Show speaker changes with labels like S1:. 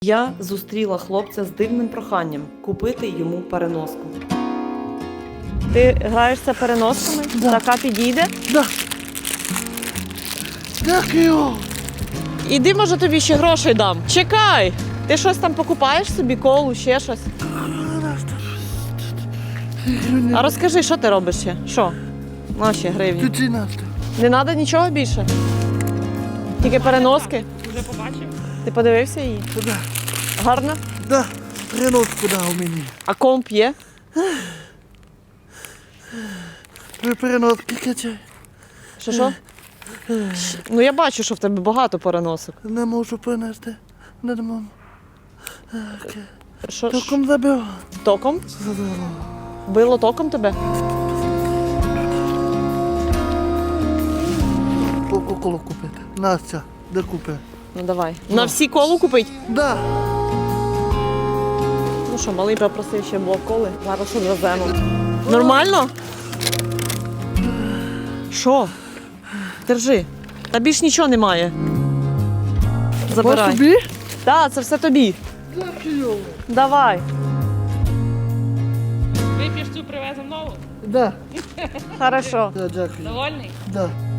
S1: Я зустріла хлопця з дивним проханням купити йому переноску. Ти граєшся переносками?
S2: Да.
S1: Така підійде?
S2: Да. Дякую.
S1: Іди, може, тобі ще грошей дам. Чекай! Ти щось там покупаєш собі, колу, ще щось? А розкажи, що ти робиш ще? Що? Наші гривні.
S2: Ти насте.
S1: Не треба нічого більше? Тільки переноски?
S3: Вже побачив?
S1: Ти подивився її?
S2: Да.
S1: Гарно?
S2: Да. Переноску дав мені.
S1: А комп є?
S2: Ви переноски качай.
S1: Що? Ну я бачу, що в тебе багато переносок.
S2: Не можу принести. Не можу.
S1: Що?
S2: Током забив.
S1: Током? Било током тебе?
S2: Кока-колу купити. Настя, де купи?
S1: Ну давай. На всі колу купить?
S2: Да.
S1: Ну що, малий попросив ще блок коли. Зараз одвеземо. Нормально? Що? Держи. Та більш нічого немає. Забирай.
S2: Тобі?
S1: Так, це все тобі.
S2: Дякую.
S1: Давай.
S3: Вип'єш цю привеземо нову?
S2: Да.
S1: Хорошо.
S2: Да, дякую.
S3: Довольний?
S2: Да.